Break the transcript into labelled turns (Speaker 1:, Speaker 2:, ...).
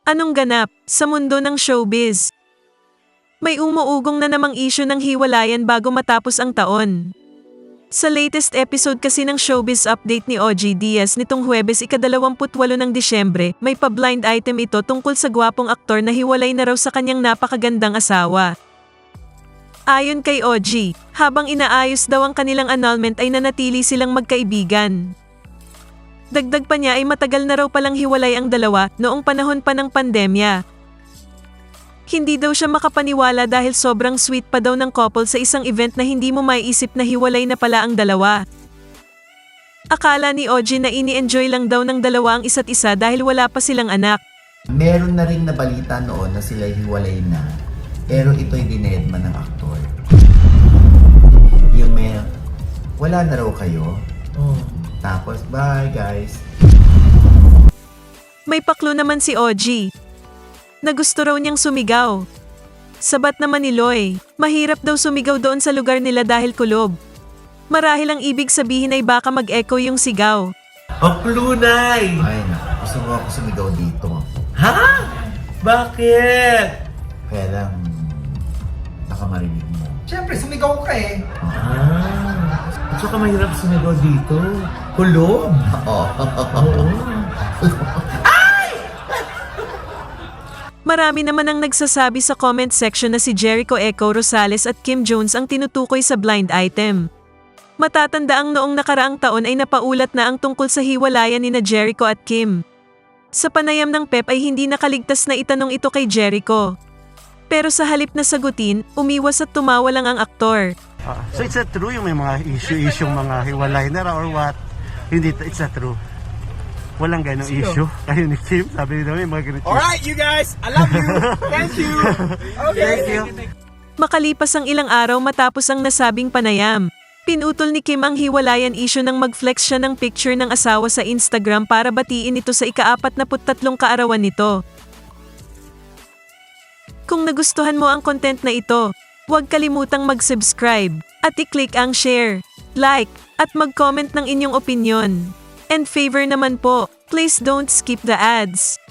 Speaker 1: Anong ganap sa mundo ng showbiz? May umuugong na namang issue ng hiwalayan bago matapos ang taon. Sa latest episode kasi ng Showbiz Update ni OG Diaz nitong Huwebes ika-28 ng Disyembre, may pa-blind item ito tungkol sa gwapong aktor na hiwalay na raw sa kanyang napakagandang asawa. Ayon kay OG, habang inaayos daw ang kanilang annulment ay nanatili silang magkaibigan. Dagdag pa niya ay matagal na raw palang hiwalay ang dalawa noong panahon pa ng pandemya. Hindi daw siya makapaniwala dahil sobrang sweet pa daw ng couple sa isang event na hindi mo maiisip na hiwalay na pala ang dalawa. Akala ni OG na ini-enjoy lang daw ng dalawa ang isa't isa dahil wala pa silang anak.
Speaker 2: Meron na rin na balita noon na sila hiwalay na, pero ito'y dinedma ng aktor. Yung may, wala na raw kayo. Tapos, bye guys.
Speaker 1: May paklo naman si OG na gusto raw niyang sumigaw. Sabat naman ni Loy, mahirap daw sumigaw doon sa lugar nila dahil kulob. Marahil ang ibig sabihin ay baka mag-echo yung sigaw.
Speaker 3: Paklunay!
Speaker 2: Ay na, gusto mo ako sumigaw dito.
Speaker 3: Ha? Bakit?
Speaker 2: Kaya lang, baka marinig mo.
Speaker 4: Siyempre, sumigaw ka eh.
Speaker 3: At saka mahirap sumigaw dito. Kulob!
Speaker 2: Oo.
Speaker 3: Oo.
Speaker 1: Marami naman ang nagsasabi sa comment section na si Jericho Echo Rosales at Kim Jones ang tinutukoy sa blind item. Matatanda ang noong nakaraang taon ay napaulat na ang tungkol sa hiwalayan ni na Jericho at Kim. Sa panayam ng Pep ay hindi nakaligtas na itanong ito kay Jericho. Pero sa halip na sagutin, umiwas at tumawa lang ang aktor.
Speaker 5: So it's not true yung may mga issue mga hiwalay na or what? Hindi, it's not true. Walang ganong issue. Kayo ni Kim, sabi nila may mga ganito.
Speaker 4: Alright, you guys! I love you! Thank you! Okay.
Speaker 5: Thank you.
Speaker 1: Makalipas ang ilang araw matapos ang nasabing panayam, pinutol ni Kim ang hiwalayan issue nang mag-flex siya ng picture ng asawa sa Instagram para batiin ito sa ika-43 kaarawan nito. Kung nagustuhan mo ang content na ito, huwag kalimutang mag-subscribe at i-click ang share, like, at mag-comment ng inyong opinyon. And favor naman po, please don't skip the ads.